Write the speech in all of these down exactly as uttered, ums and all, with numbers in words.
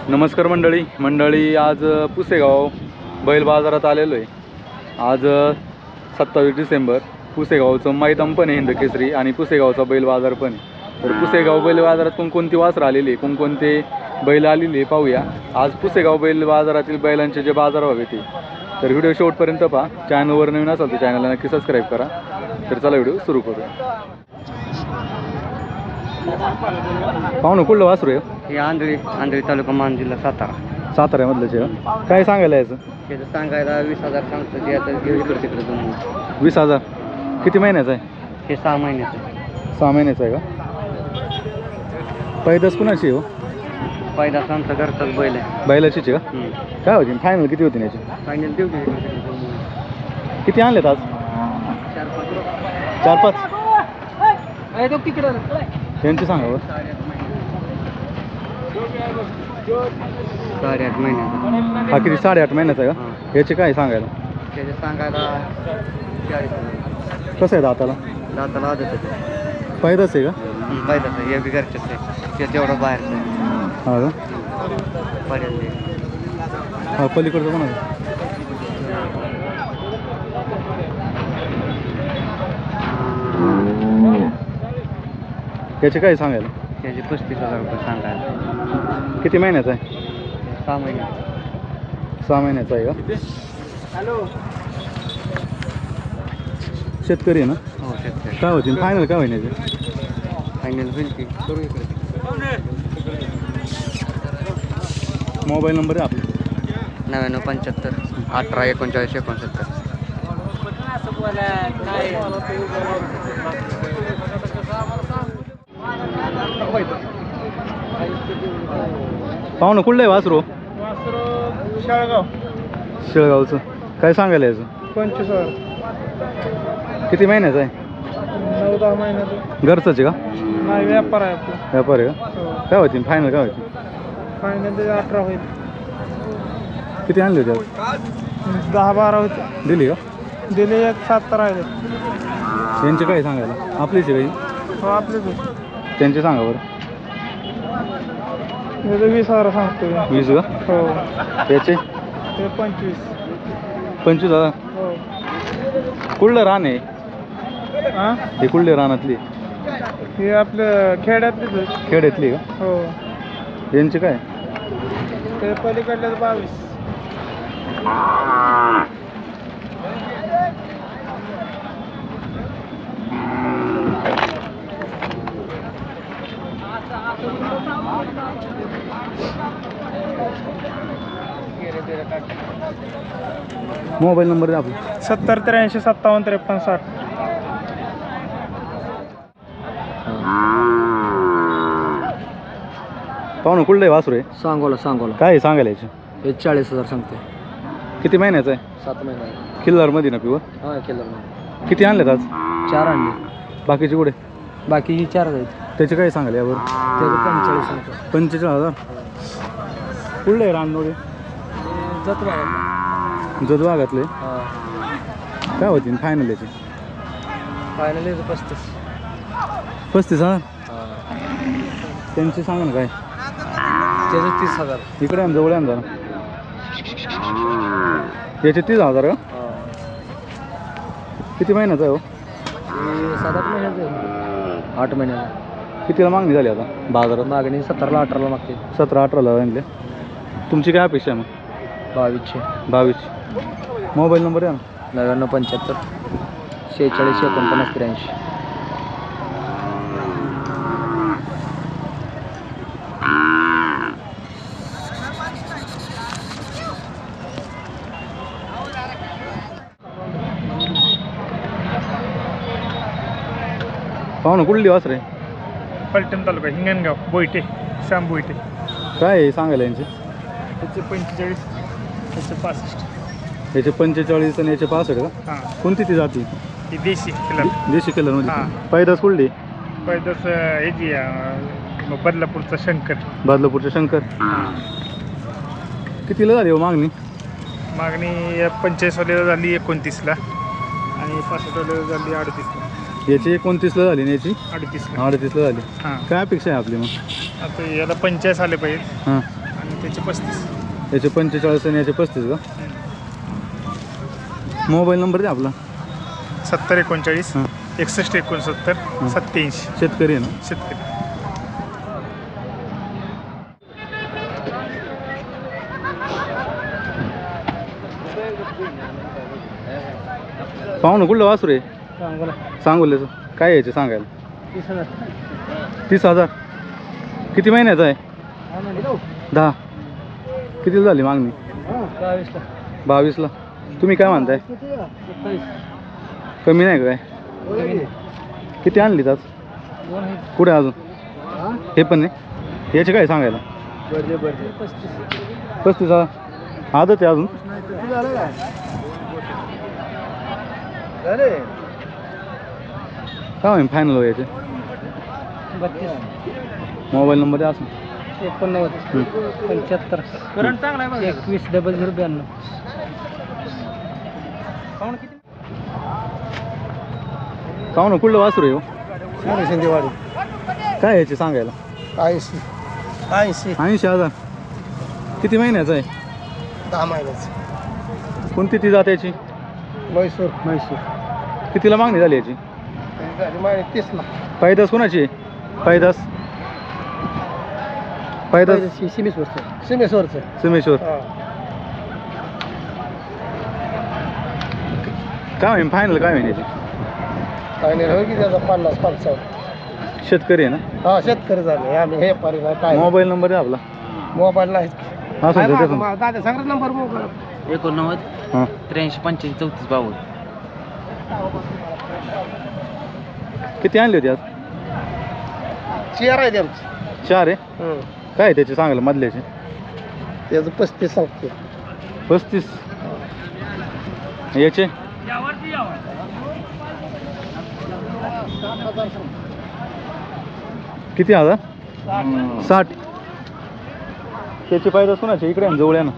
नमस्कार मंडळी मंडळी आज पुसेगाव बैल बाजारात आलेलो आहे। आज सत्तावीस डिसेंबर पुसेगावचं मैदान पण आहे हिंद केसरी आणि पुसेगावचा बैल बाजार पण आहे। तर पुसेगाव बैल बाजारात कोणकोणती वासरं आलेली आहे, कोणकोणते बैल आलेले आहे पाहूया। आज पुसेगाव बैल बाजारातील बैलांचे जे बाजारभाव आहे ते तर व्हिडिओ शेवटपर्यंत पहा। चॅनलवर नवीन असाल तर चॅनलला नक्की सबस्क्राईब करा। तर चला व्हिडिओ सुरू करूया। पाहुणं कुठलं वासरू आहे? हे आंधळी आंधळी तालुका मान जिल्हा सातारा साताऱ्यामधलंच आहे। काय सांगायला याचं? त्याचं सांगायला वीस हजार सांगतं ते आता घेऊ इकडे तिकडे दोन वीस हजार किती महिन्याचं आहे? हे सहा महिन्याचं आहे। सहा महिन्याचं आहे का? पैदास कुणाची हो? पैदास आमचा घरचाच बैल आहे। बैलाचीच आहे का? काय होती फायनल किती होती याची? फायनल देऊ दे। किती आणलेत आज? चार पाच चार पाच तिकडं त्यांची सांगा बरं। साडेआठ महिन्याचा हा किती साडेआठ महिन्याचा आहे का? याचे काय सांगायला? त्याचे सांगायला चाळीस हजार। कसं आहे दाताला? दाताला आदत आहे। पैदास आहे का? पैदाच आहे, हे बी घरचंच आहे। ते तेवढं बाहेरचं आहे। हा का? पर्यंत हा पलीकडचं पण आहे। याचे काय सांगायला? त्याचे पस्तीस हजार रुपये सांगायला। किती महिन्याचा आहे? सहा महिने सहा महिन्याचा आहे का? शेतकरी आहे ना? हो शेतकरी। काय होती फायनल काय महिन्याचे? फायनल होईल की करू इकडे। मोबाईल नंबर आहे आपला? नव्याण्णव पंच्याहत्तर अठरा एकोणचाळीस एकोणसत्तर। पाहुणं कुठलं आहे वासरू? शाळगाव शेळगावचं काय सांगायला याचं? पंचवीस हजार। किती महिन्याचं आहे? नऊ दहा महिन्याचं। घरचंच आहे का? नाही व्यापार आहे आपला। व्यापार आहे का? काय होती फायनल काय होती? फायनल त्याचे अठरा होईल। किती आणले होते? दहा बारा होते। दिली का? दिले एक सात राहिले। यांचे काय सांगायला? आपलीच आहे काही? हो आपलेच त्यांचे सांगा बरं। वीस हजार सांगतो। वीस का? हो याचे? ते पंचवीस पंचवीस हजार। हो कुठलं रान आहे हां हे? कुठले रानातली? हे आपलं खेड्यातलीच आहे। खेड्यातली का? हो यांचे काय? ते पलीकडल्याच बावीस। मोबाईल नंबर आहे आपला? सत्तर त्र्याऐंशी सत्तावन्न त्रेपन्न साठ। पाहुणं कुठलं आहे वासरू आहे? सांगोला सांगोला। काय आहे सांगायला याचे? हे चाळीस हजार सांगते। किती महिन्याचं आहे? सात महिने किल्लारमध्ये ना पिवं? हां केलं। किती आणलेत आज? चार आणले। बाकीचे कुठे? बाकी ही चार आहेत। त्याचे काय सांगाल यावर? त्याचं पंचेचाळीस सांगतो। पंचेचाळीस हजार कुठलं आहे रानडोळे? जत बघा जत भागातले हां। काय होती फायनल याची? फायनल याचं पस्तीस पस्तीस हजार। हां त्यांचे सांगा ना काय? त्याचं तीस हजार। इकडे आम जवळ आम जरा याचे तीस हजार का? किती महिन्याचा आहे हो? सात आठ महिन्याचं आहे। आठ महिन्याला। कितीला मागणी झाली आता बाजारात? मागणी सतराला अठराला मागते। सतरा अठराला आणले। तुमची काय अपेक्षा आहे मग? बावीसशे बावीस। मोबाईल नंबर आहे ना? नव्याण्णव पंच्याहत्तर शेहेचाळीस एकोणपन्नास त्र्याऐंशी। पाहुणं कुठली वासर आहे? पलटण तालुका हिंगणगाव बोईटे श्याम बोईटे। काय आहे सांगायला यांचे? त्याचे पंचेचाळीस त्याचे पासष्ट। याचे पंचेचाळीस आणि याचे पासष्ट का? हां कोणती ती जाती? ही देशी कलर देशी कलरमध्ये? हां। पैदास कुठली? पैदास हे जी बदलापूरचा शंकर। बदलापूरचे शंकर। कितीला झाली हो मागणी? मागणी पंचेचाळीसवाल्याला झाली एकोणतीसला आणि पासष्टवाल्याला झाली अडतीसला। याची एकोणतीसला झाली आणि याची अडतीसला अडतीसला झाली। हां काय अपेक्षा आहे आपली मग? आता याला पंचेचाळीस आले पाहिजे हां आणि याचे पस्तीस. याचे पंचेचाळीस आणि याचे पस्तीस का? मोबाईल नंबर द्या आपला. सत्तर एकोणचाळीस हां एकसष्ट एकोणसत्तर सत्याऐंशी. शेतकरी आहे ना? शेतकरी. पाहू ना कुठलं वासरू आहे? सांगोला सांगोल्याचं. काय यायचे सांगायला? तीस हजार. तीस हजार. किती महिन्याचा आहे? दहा. किती झाली मागणी? बावीसला. बावीसला. तुम्ही काय म्हणताय? सत्तावीस. कमी नाही का काय? किती आणली आज? दोन आहेत. कुठे अजून? हां हे पण नाही. याचे काय सांगायला? बरं बरं. पस्तीस. पस्तीस हजार. आदत आहे अजून. झालं काय? काय होईल फायनल हो याचे? बत्तीस. मोबाईल नंबर द्या असं. एकोणनव्वद पंच्याहत्तर करंट चांगला आहे. एकवीस डबल झिरो ब्याण्णव. पाहू ना कुठलं वासरू आहे हो? शिंदेवाडी. काय याचे सांगायला? ऐंशी. ऐंशी. ऐंशी हजार. किती महिन्याचं आहे? दहा महिन्याचं. कोणती ती जात याची? म्हैसूर. म्हैसूर. कितीला मागणी झाली याची? झाली माहिती तीसला. पैदास कोणाची आहे? पैदास पैदास सिमेश्वरचं. सिमेश्वरचं. सोमेश्वर. काय होईल फायनल? काय होईल याची? काय नाही होय की त्याचा पन्नास पंचावन्न. शेतकरी आहे ना? हा शेतकरी झाले आम्ही. हे पारी नाही काय. मोबाईल नंबर द्या आपला. मोबाईल नाही. हा सर देतो. दादा सांगा नंबर. मोबाईल एकोणनव्वद हां त्र्याऐंशी पंच्याऐंशी चौतीस बावन्न. किती आणली होती आज? चेअर आहे आमची. चार आहे. काय आहे त्याचे सांगायला मधल्याचे? त्याचं पस्तीस सांगतो. पस्तीस. याचे? किती हजार? साठ. त्याची पाहिजे कोणाचे? इकडे आहे ना, जवळ आहे ना.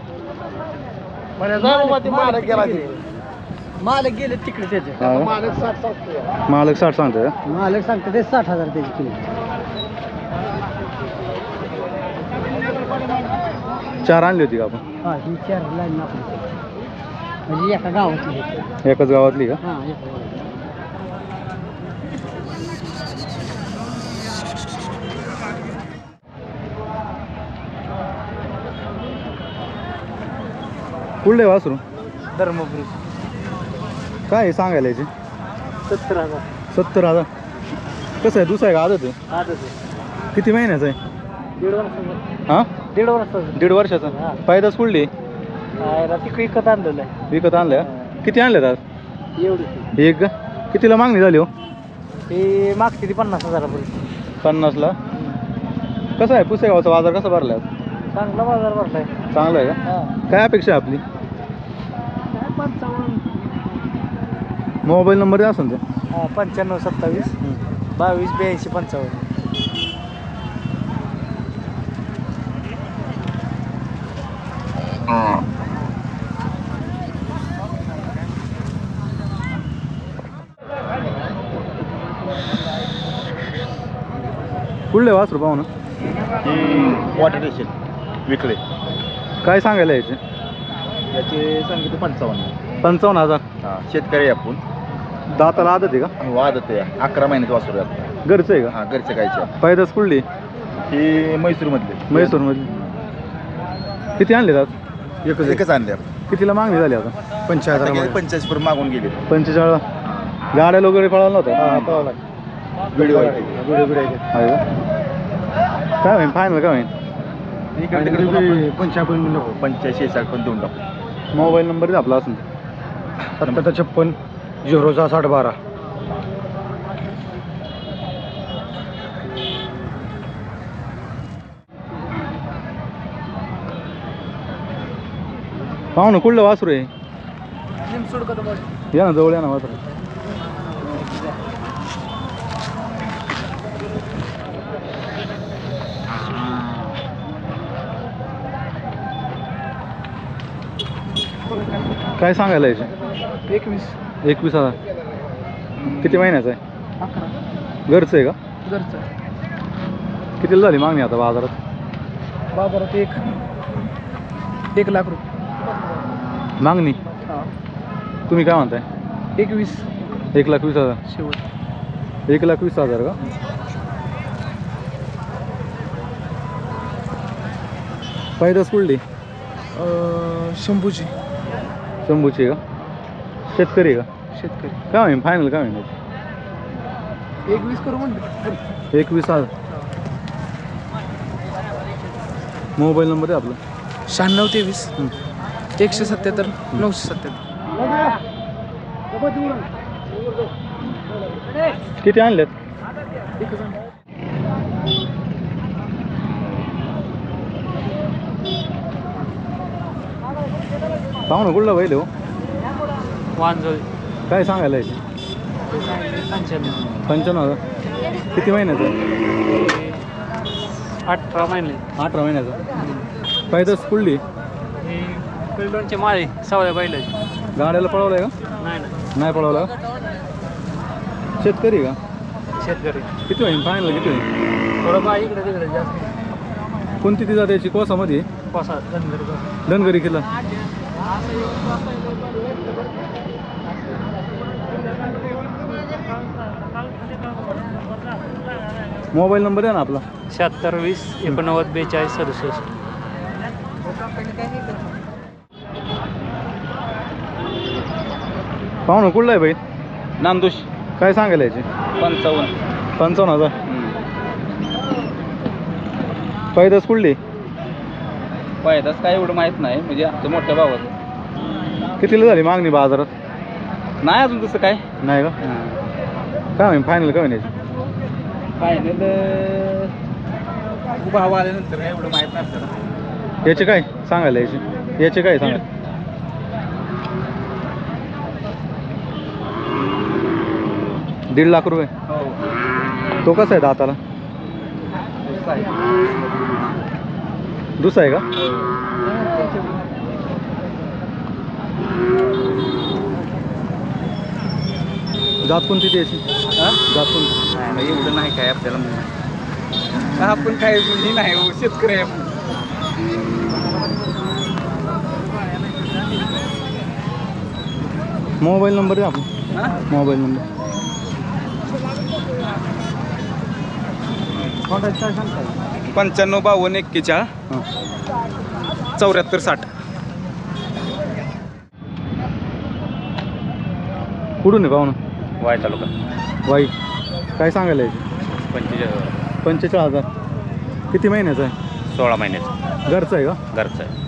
मालक गेला. मालक गेले तिकडे त्याचे. हा. मालक साठ सांगतो. मालक साठ सांगतोय का? मालक सांगतो ते साठ हजार त्याची किंमत. चार आणली होती का आपण? हा ही चार लाईन आपली. म्हणजे एका गावातली. एकाच गावातली का? हां एका गावातली. कुठले वासरू? धर्मपुरी. काय आहे सांगायला याचे? सत्तर हजार. सत्तर हजार. कसं आहे? दुसरं आहे का आदत आहे? आजच आहे. किती महिन्याचं आहे? दीड वर्षाचं. हां दीड वर्षाचं. दीड वर्षाचा. हां. पायदास कुठली? तिकडे विकत आणलेलं आहे. विकत आणलं का? किती आणल्यात आज? एवढी. एक का? कितीला मागणी झाली हो? ते मागते ती पन्नास हजारापर्यंत. पन्नासला. कसं आहे पुसेगावचा बाजार कसा भरला? चांगला बाजार भरलाय. चांगला आहे का? हां काय अपेक्षा आहे आपली? काय पंचावन्न. मोबाईल नंबर द्या असेल ते. हां पंच्याण्णव सत्तावीस बावीस ब्याऐंशी पंचावन्न. कुठले वासरू पाहू ना? वॉटर स्टेशन विकले. काय सांगायला याचे? याचे सांगितले पंचावन्न. पंचावन्न हजार. हां शेतकरी आपण. दाताला आदत आहे का? वादत आहे. अकरा महिन्यात वासरू आहे. घरचं आहे का? हां घरचे गायचे. पैदास कुठली? ही म्हैसूरमधले. म्हैसूरमधली. किती आणले आज? एकच एकच आणले. कितीला मागणी झाली आता? पंचायत पंचाळीस पर्यंत मागून गेले. पंचेचाळीस. गाड्या वगैरे पळाला नव्हता? व्हिडिओ आहे. आहे का? काय होईल फायनल? काय होईल? पंच्याऐंशी नको. पंच्याऐंशी साठ पण देऊन टाकू. मोबाईल नंबर द्या आपला असून. सत्तर छप्पन झिरो सहा साठ बारा. पाहू ना कुठलं वासरू आहे? या ना जवळ या ना वासरू. काय सांगायला याचे? एकवीस. एकवीस हजार. किती महिन्याचं आहे? अकरा. घरचं आहे का? घरचं. कितीला झाली मागणी आता बाजारात? बाजारात एक एक लाख रुपये मागणी हां तुम्ही काय म्हणताय? एकवीस एक लाख वीस हजार. शेवट. एक लाख वीस हजार का? पैदास कुठली? शंभूची. शंभूची का? शेतकरी का? शेतकरी. काय होईल फायनल काय होईल? एकवीस करू म्हणते. एकवीस हजार. मोबाईल नंबर आहे आपला? शहाण्णव तेवीस एकशे सत्याहत्तर नऊशे सत्याहत्तर. किती आणलेत? पाहू ना कुठला बैल हो? वांजळ. काय सांगायला याची? पंच्याण्णव हजार. किती महिन्याचं? अठरा महिने. अठरा महिन्याचा. पैदास कुठली? दोनचे माळे सवय बैल. गाड्याला पळवलाय का? नाही नाही नाही पळवला का? शेतकरी का? शेतकरी. किती होईल फायनल किती होईल? थोडं बा इकडे तिकडे जास्त. कोणती ती जाते याची? कोसामध्ये पासा धनगर. धनगरी किल्ला. मोबाईल नंबर आहे ना आपला? शहात्तर वीस एकोणनव्वद बेचाळीस सदुसष्ट. पाहू ना कुठला आहे बाई? नामदोष काय सांगायला याची? पंचावन्न. पंचावन्न हजार. पैदास कुठली? पैदास काय एवढं माहीत नाही, म्हणजे आमच्या मोठ्या भावात. कितीला झाली मागणी बाजारात? नाही अजून तसं काय. नाही का? काय होईल फायनल काय होईल याची? फायनल भाव आल्यानंतर काय एवढं माहीत नाही आपल्याला. याचे काय सांगायला याचे? याचे काय सांगा? दीड लाख रुपये. हो. तो कसा आहे दाताला? दुसरा आहे का? जात कोणती त्याची? जात कोणती? नाही एवढं नाही काय आपल्याला. आपण काय हे नाही शेतकरी आहे. मोबाईल नंबर आहे आपला? मोबाईल नंबर पंच्याण्णव बावन्न एक्केचाळीस हां चौऱ्याहत्तर साठ. कुठून आहे पाहुणं? वाय तालुका. वाई. काय सांगायला याची? पंचेचाळीस. पंचेचाळीस हजार. किती महिन्याचा आहे? सोळा महिन्याचं. घरचं आहे का? घरचं आहे.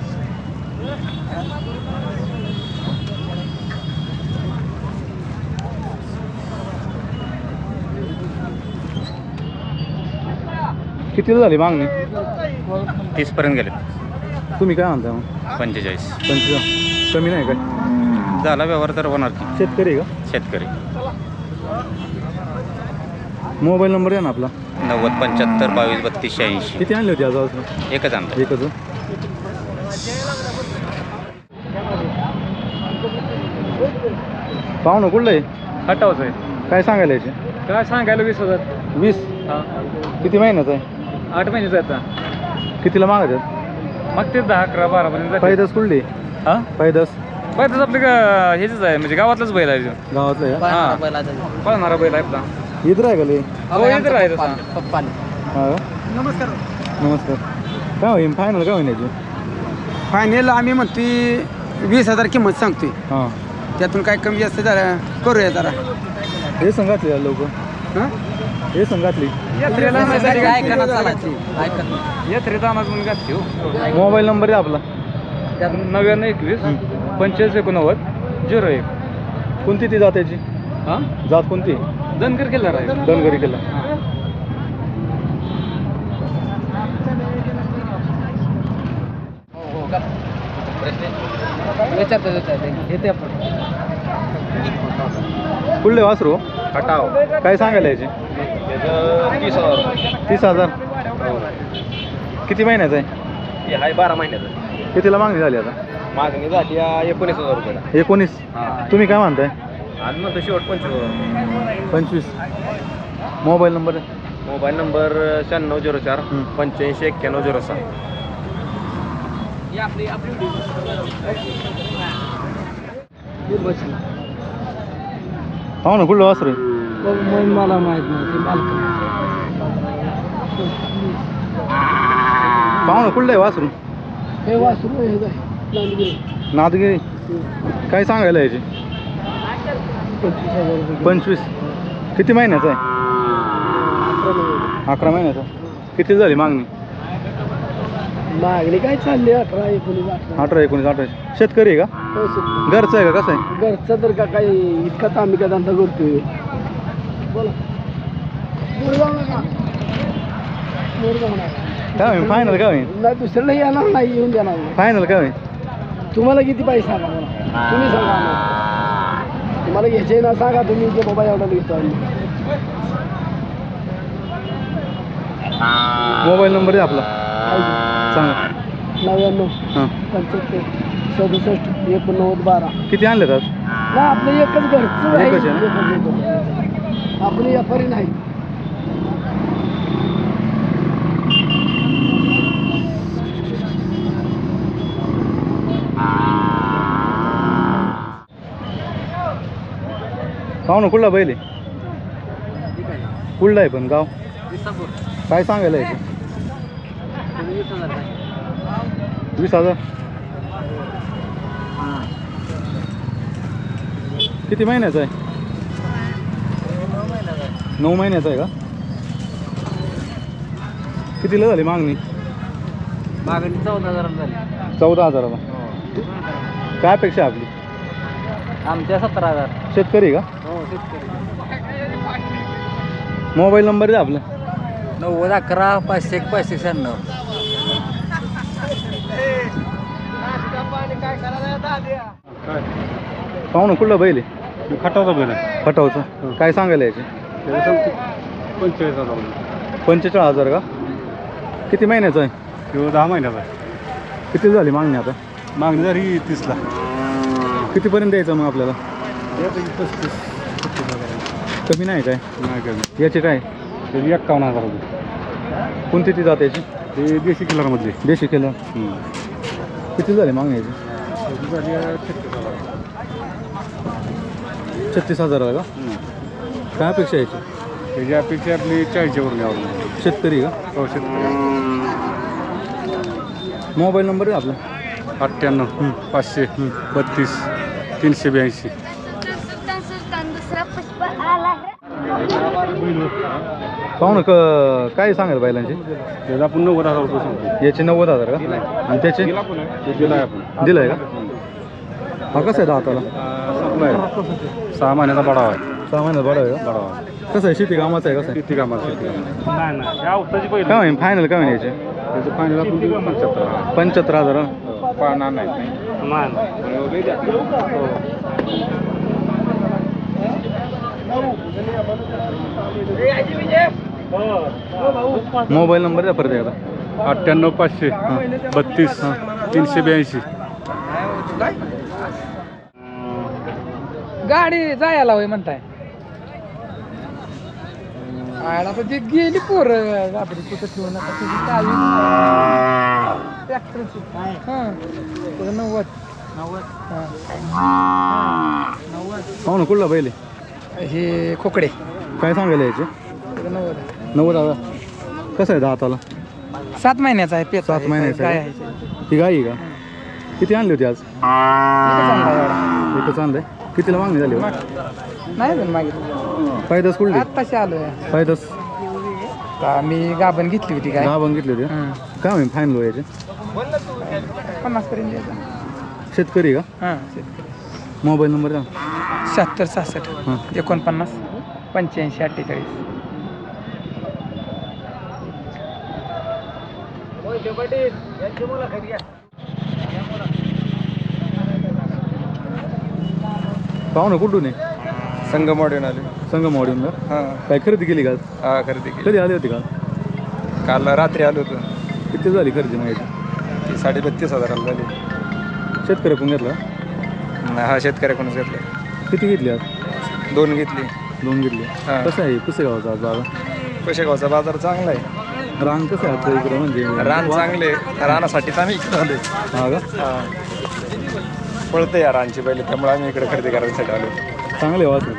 कितीला झाली मागणी? तीसपर्यंत गेले. तुम्ही काय म्हणता मग? पंचेचाळीस. पंचेचाळीस कमी नाही काय? झाला व्यवहार तर होणार की. शेतकरी आहे का? शेतकरी. मोबाईल नंबर आहे ना आपला? नव्वद पंच्याहत्तर बावीस बत्तीस शहाऐंशी. किती आणली होती आज आज? एकच आणलं. एकच. पाहुणं कुठलं आहे? हटावच आहे. काय सांगायला याचे? काय सांगायला वीस हजार. वीस. हां किती महिन्याचा आहे? आठ महिन्याचा आता. कितीला मागतात? मग ते दहा अकरा बारा पर्यंत. पैदास कुठली? हां पैदास पहिलंच आपले का हेच आहे, म्हणजे गावातलंच बैल आहे. गावातलं आहे का? हां पळणारा बैल आहे आपला. इथं आहे का लई? हो इथं आहे तसा. हा का? नमस्कार. नमस्कार. काय होईल फायनल काय होईल याची? फायनल आम्ही म्हणतोय वीस हजार किंमत सांगतोय. हां त्यातून काय कमी जास्त जरा करूया जरा. हे संघातली लोक. हां हे संघातली. यात्रेला यात्रेत अनाज म्हणून घातली हो. मोबाईल नंबर आहे आपला? नव्याण्णव एकवीस पंचेचाळीस एकोणनव्वद झिरो एक. कोणती ती जात याची? हां जात कोणती? धनगर केला आहे. धनगरी केला. येते आपण. कुठले वासरू? हटाव. काय सांगायला याचे? तीस हजार. तीस हजार. किती महिन्याचा आहे? हे आहे बारा महिन्याचं. कितीला मागणी झाली आता? मागणी झाली एकोणीस हजार रुपयाला. एकोणीस. तुम्ही काय म्हणताय? आणि म्हणतो शेवट पंचवीस. पंचवीस. मोबाईल नंबर आहे? मोबाईल नंबर शहाण्णव झिरो चार पंच्याऐंशी एक्क्याण्णव झिरो सहा. पाहू ना कुठलं वासरू आहे? मला माहित नाही ते मालक पाहू ना कुठलं आहे वासरू? हे वासरू हे काय नांदगिरी नादगिरी. काय सांगायला याची? पंचवीस हजार रुपये पंचवीस. किती महिन्याचा आहे? अकरा महिन्याचा. किती झाली मागणी? मागणी काय चालली अठरा एकोणीस अठरा अठरा एकोणीस अठरा. शेतकरी आहे का? घरचं आहे का? कसं आहे? घरचं तर का काही इतकाच आम्ही का धंदा करतोय. बोला मोरगाव नका मोरगाव नका काय होईल फायनल? काय होईल नाही दुसऱ्याला येणार नाही येऊन देणार नाही. फायनल? काय होईल? तुम्हाला किती पैसे सांगा मला तुम्ही सांगा आम्हाला. तुम्हाला घ्यायचे ना सांगा तुम्ही जे बाबा एवढा घेतो आम्ही. मोबाईल नंबर आहे आपला सांगा. नव्याण्णव हां. पंच्याहत्तर सदुसष्ट एकोणनव्वद बारा. किती आणलेत आज? ना आपलं एकच घरचं आहे. एकच आहे ना? एकच, एकच. आपण व्यापारी नाही. पाहू ना कुठला बैल आहे? कुठला आहे पण गाव? काय सांगायला याचे? वीस हजार. किती महिन्याचा आहे? नऊ महिन्याचा आहे का? कितीला झाली मागणी? मागणी चौदा हजाराला झाली. चौदा हजाराला. काय अपेक्षा आहे आपली? आमच्या सतरा हजार. शेतकरी का? हो शेतकरी. मोबाईल नंबर आहे आपला? नव्वद अकरा पाचशे एक पाचशे शहाण्णव. पाहू ना कुठला बैल आहे? खटावचा बैल आहे. खटावचं. काय सांगायला याचे? पंचेचाळीस हजार पंचेचाळीस हजार का? किती महिन्याचा आहे? किंवा दहा महिन्याचा आहे. किती झाली मागणी आता? मागणी झाली तीसला. कितीपर्यंत द्यायचं मग आपल्याला? पस्तीस कमी नाही काय? नाही कमी. याचे काय? त्याची एक्कावन्न हजार रुपये. कोणती ती जात याची? ते देशी किलरमधले. देशी केलं. किती झाली मागणी याची? झाली छत्तीस हजार. छत्तीस हजाराला का? काय अपेक्षा याची? त्याची अपेक्षा आपली चाळीसच्या वरून यावर. शेतकरी का? हो शेतकरी. मोबाईल नंबर आहे आपला? अठ्ठ्याण्णव पाचशे बत्तीस तीनशे ब्याऐंशी. पाहू ना क काय सांगाल बैलांचे? त्याचा आपण नव्वद हजार रुपये सांगतो. याचे नव्वद हजार का? आणि त्याचे? ते दिला आहे आपण. दिलं आहे का? हा कसं आहे दाताला? सप्लाय सहा महिन्याचा बडावा आहे. सहा महिन्यात बरं आहे का? बडावा कसं आहे? शेती कामाचं आहे? कसं आहे? किती कामाला शेती कामाला. नाही नाही या उत्ताची पहिली. काय होईल फायनल? काय होईल याचे? त्याचं फायनल आपण देऊ पंच्याहत्तर. पंच्याहत्तर हजार. पाहणार नाही. मोबाईल नंबर द्या परत एकदा. अठ्ठ्याण्णव पाचशे बत्तीस तीनशे ब्याऐंशी. गाडी जायला होय म्हणताय? आयला तर ती गेली पोर आपली कुठं ठेवून आता तुझी चावी ट्रॅक्टरची. हां त्याचं नव्वद नव्वद हां नव्वद. पाहू ना कुठला बैल आहे? हे खोकडे. काय सांगायला याचे? त्याचं नव्वद नव्वद हजार. कसं आहे दाताला? सात महिन्याचा आहे. पेच सात महिन्याचा काय आहे. आहे? ही गाई आहे का? किती आणली होती आज? एकच आणला एवढा. एकच आणलंय. कितीला मागणी झाली? नाही पण मागितलं. फायदाच कुठली? आत्ताशी आलोय. फायदाच आम्ही गाभण घेतली होती काय दहा बंगितली होती. काय होईल फायनल याचे? पन्नास पर्यंत द्यायचं. शेतकरी का? हां मोबाईल नंबर द्या. शहात्तर सहासष्ट हां. एकोणपन्नास पंच्याऐंशी अठ्ठेचाळीस. पाहू ना कुठून आहे? संगमवाडीहून आले. संगमवाडीहून का? हां काय खरेदी केली का आज? हा खरेदी केली. कधी आली होती का? काल रात्री आलो होतो. किती झाली खरेदी माहिती? ती साडे बत्तीस हजाराला झाली. शेतकरी पण घेतला? हा शेतकऱ्याकडूनच घेतला. किती घेतली आज? दोन घेतली. दोन घेतली. हां. कसं आहे पुसेगावचा आज बाजार? पैशेगावचा बाजार चांगला आहे. रान कसं आहे आजचं इकडं म्हणजे रान चांगले रानासाठीच आम्ही इकडे आलोय. हा का पळते या रानची पहिले त्यामुळे आम्ही इकडे खरेदी करायसाठी आलो. चांगले वासरू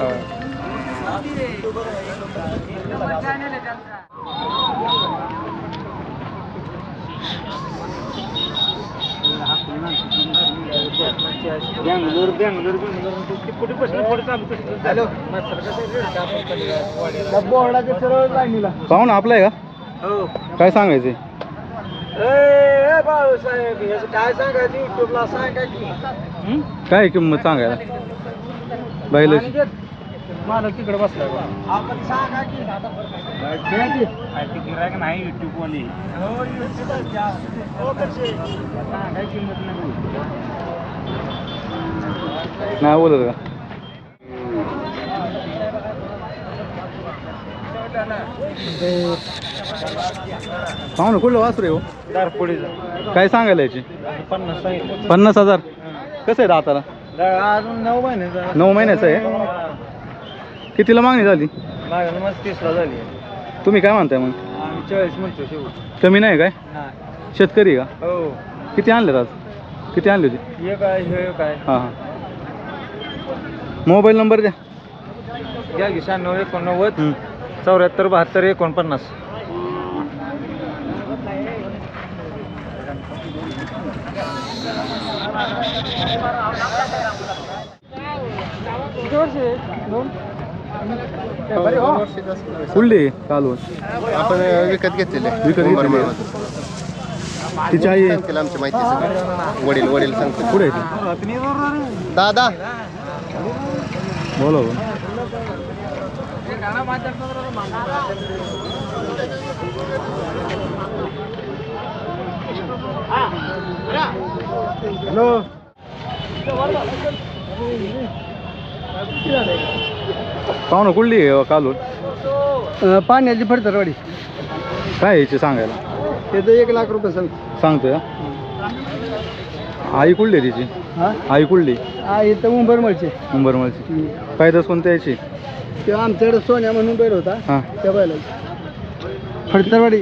बोर्डाच्या सरळ लाईनीला. पाहू ना आपलं आहे का हो. काय सांगायचे ए भाऊसाहेब याचं काय सांगायचं युट्यूबला सांगा की. काय किंमत सांगायला बैलाची मला तिकडे बसलाय आपण सांगा की गिरायक नाही युट्यूब वाली काय किंमत नाही नाही बोलत का पाहू ना कुठलं वासरू आहे हो दारपुडीचा काय सांगायला याची पन्नास सांगितलं पन्नास हजार कसं आहे दाताला अजून नऊ महिन्याचा नऊ महिन्याचं आहे कितीला मागणी झाली मागणी मग तीसला झाली तुम्ही काय म्हणताय मग आम्ही चाळीस म्हणतो शेवट कमी नाही काय नाही शेतकरी का हो किती आणलेत आज किती आणले होते हे काय हे काय हां हां मोबाईल नंबर द्या घ्या की शहाण्णव एकोणनव्वद हं. चौऱ्याहत्तर बहात्तर एकोणपन्नास फुलली कालवण आपण विकत घेतलेले विकत घेतलेली आहे. तिची आई आहे. सांगतील आमची माहिती सगळी. वडील वडील सांगतील. पुढे आहे ती. दादा बोला बोला. हॅलो पाहू ना कुठली आहे कालवण पाण्याची फडतरवाडी काय याची सांगायला त्याचं एक लाख रुपये सांग सांगतोय का? आई कुठली आहे तिची हा आई कुठली हा इथं उंबरमळचे उंबरमळची पायदास कोणत्या याची तेव्हा आमच्याकडे सोन्या म्हणून बैल होता हां त्या बैलाची फडतरवाडी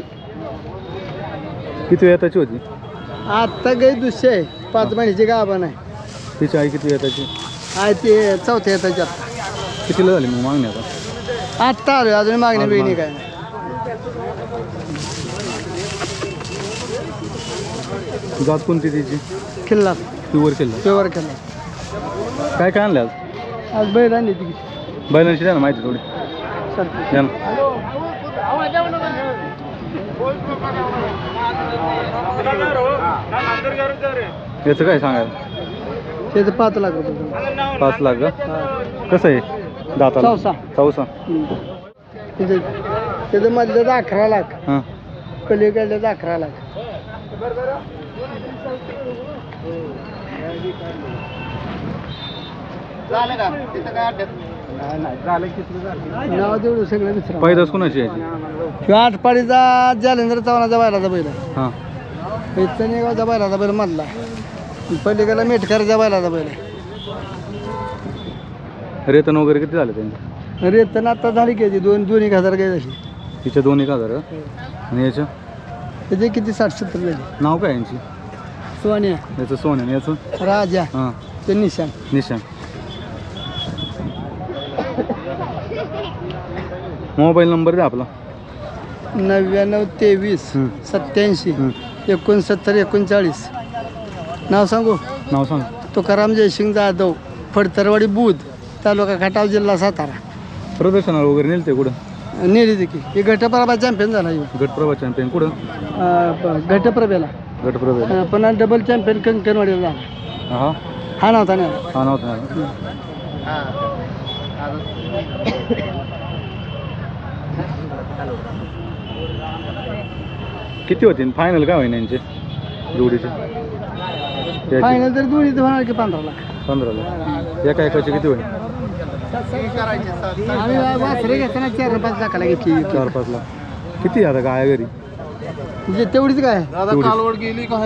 किती वेताची होती आत्ता गई दुसरी आहे पाच महिन्याची गाभण आहे तिची आई किती वेताची आहे ते चौथ्या येताची आत्ता कितीला झाली मग मागणी आता आत्ता आलो अजून मागणी आज बिगणी मागणी. काय नाही जात कोणती तिची किल्ला प्युअर केलं पेवर किल्ला काय काय आणलं आज आज बैल आणली ती बैलांची द्या ना माहिती थोडी सर द्या ना याचं काय सांगायला त्याचं पाच लाख रुपये पाच लाख का हा. कसं आहे दाताला चौसा. चौसा हम्म. त्याचं त्याचं मधलं अकरा लाख हां पलीकडलं अकरा लाख झालं का तिथं काय अड्ड्यात नाव तेवढं सगळं विसरा पैदास कोणाची याची किंवा आठपाडीचा जालेंद्र चव्हाणाचा बैलाचा बैल आहे. हां इथं बैलाचा बैल मधला पलीकडला मेटकरच्या बैलाचा बैल आहे. रेतन वगैरे किती झाले त्यांचे रेतन आता झाली की याची दोन दोन एक हजार काही झाली तिच्या दोन एक हजार का? आणि याचं त्याचे किती साठ सत्तर झाली नाव काय यांची सोन्या याचं सोन्या आणि याचं राजा हां ते निशान निशान मोबाईल नंबर द्या आपला नव्याण्णव तेवीस हं. सत्याऐंशी हं. एकोणसत्तर एकोणचाळीस नाव सांगू नाव सांग तुकाराम जयसिंग जाधव फडतरवाडी बुध तालुका खटाव जिल्हा सातारा प्रदर्शनाला वगैरे नेलं ते कुठं नेली देखील हे गटप्रभा चॅम्पियन झाला ह्यो. गटप्रभा चॅम्पियन कुठं अं, प- गटप्रभेला गटप्रभा अं, पुन्हा डबल चॅम्पियन कंकणवाडीला झाला हा हा नव्हता ना हा नव्हता ना. किती होतील फायनल काय होईन यांचे जोडीचे त्याचे फायनल तर दोन्ही होणार की पंधरा लाख पंधराला एका एकाचे किती होईल आम्ही वासरे घेताना चार पाच लाखाला घेतली चार पाच लाख किती आता काय घरी म्हणजे तेवढीच काय तेवढीच. कालवड गेली काय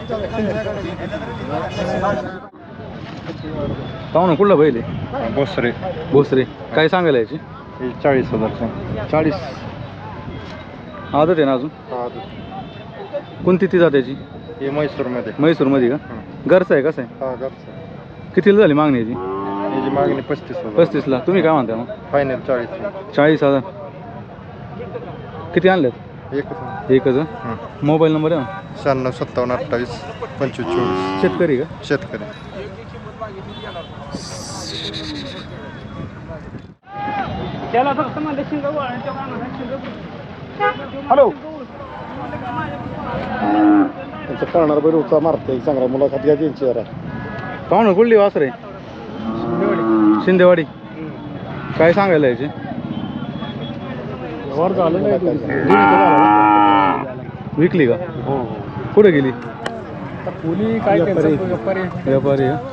पाहू ना कुठला बैल आहे बोसरे भोसरे काय सांगायला याची चाळीस हजार चाळीस आदत आहे ना अजून? कोणती ती जात्याची? हे म्हैसूरमध्ये. म्हैसूरमध्ये का? घरचं आहे कसं आहे? हा घरचं. कितीला झाली मागणी याची? याची मागणी पस्तीस हजार. पस्तीसला. तुम्ही काय म्हणता मग? फायनल चाळीस. चाळीस हजार. किती आणल्यात? एकच. एकच हं? मोबाईल नंबर आहे ना? शहाण्णव सत्तावन्न अठ्ठावीस पंचवीस चोवीस. शेतकरी का? शेतकरी. हॅलो त्यांचं करणार बैल होता मारते चांगला मुलाखत घ्या त्यांची जरा. पाहुणं कुठली वासर आहे? शिंदेवाडी. काय सांगायला याचे? वर झालं नाही विकली का? हो कुठे गेली? कोणी काय व्यापारी व्यापारी का?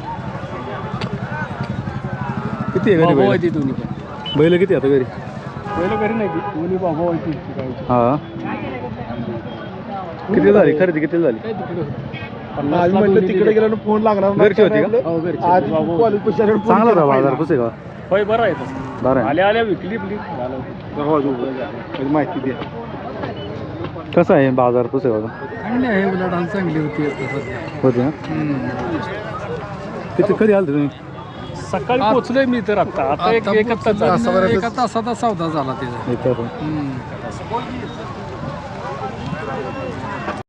किती आहे घरी बैल? दोन्ही पण बैल किती आता घरी? पहिलं घरी नाही दोन्ही बाबा व्हायची हा. किती झाली खरेदी? किती झाली? आम्ही म्हटलं तिकडे गेल्यानं फोन लागणार घरची होती का? आज कॉलेज पैसे चांगला होता बाजार पुसे का? होय बरं आहे बरं आहे. आल्या आल्या विकली विकली माहिती द्या. कसं आहे बाजार पुसे का? चांगली आहे उलट चांगली होती होते ना? किती कधी आलं तुम्ही? सकाळी पोहोचलोय मी तर आता आता एक एका तासात एका तासाचा सौदा झाला त्याचा. इथं पण.